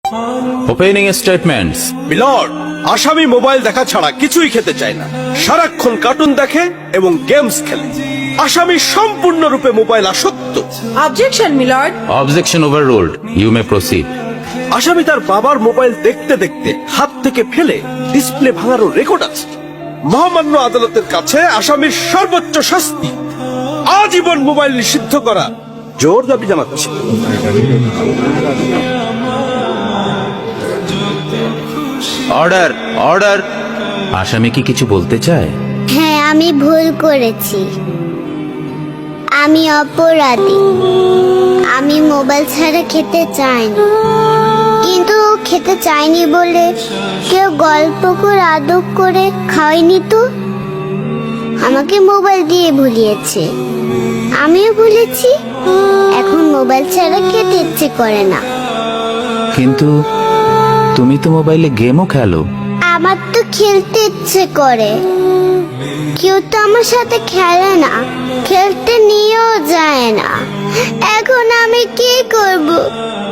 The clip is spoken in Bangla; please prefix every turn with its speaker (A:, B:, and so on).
A: Opening statements.
B: মিলর্ড, আসামি মোবাইল দেখা ছাড়া কিছুই খেতে চায় না, সারাক্ষণ কার্টুন দেখে এবং গেমস খেলে। আসামি সম্পূর্ণরূপে মোবাইল আসক্ত।
C: Objection milord.
A: Objection overruled, you may proceed.
B: আসামি তার বাবার মোবাইল দেখতে দেখতে হাত থেকে ফেলে ডিসপ্লে ভাঙারও রেকর্ড আছে। মহামান্য আদালতের কাছে আসামির সর্বোচ্চ শাস্তি আজীবন মোবাইল নিষিদ্ধ করা জোর দাবি জানাচ্ছি।
A: Order, order. আসামি কি কিছু বলতে চায়?
D: হ্যাঁ, আমি ভুল করেছি। আমি অপরাধী। আমি মোবাইল ছাড়া খেতে চাইনি, কিন্তু খেতে চাইনি বলে কেউ গল্প করে আদব করে খাওয়াইনি তো। আমাকে মোবাইল দিয়ে ভুলিয়েছে, আমিও ভুলেছি। এখন মোবাইল ছাড়া খেতে ইচ্ছে করে না।
A: কিন্তু তুমি তো মোবাইলে গেমও খেলো।
D: আমার তো খেলতে ইচ্ছে করে, কেউ তো আমার সাথে খেলে না, খেলতে নিয়েও যায় না। এখন আমি কি করব?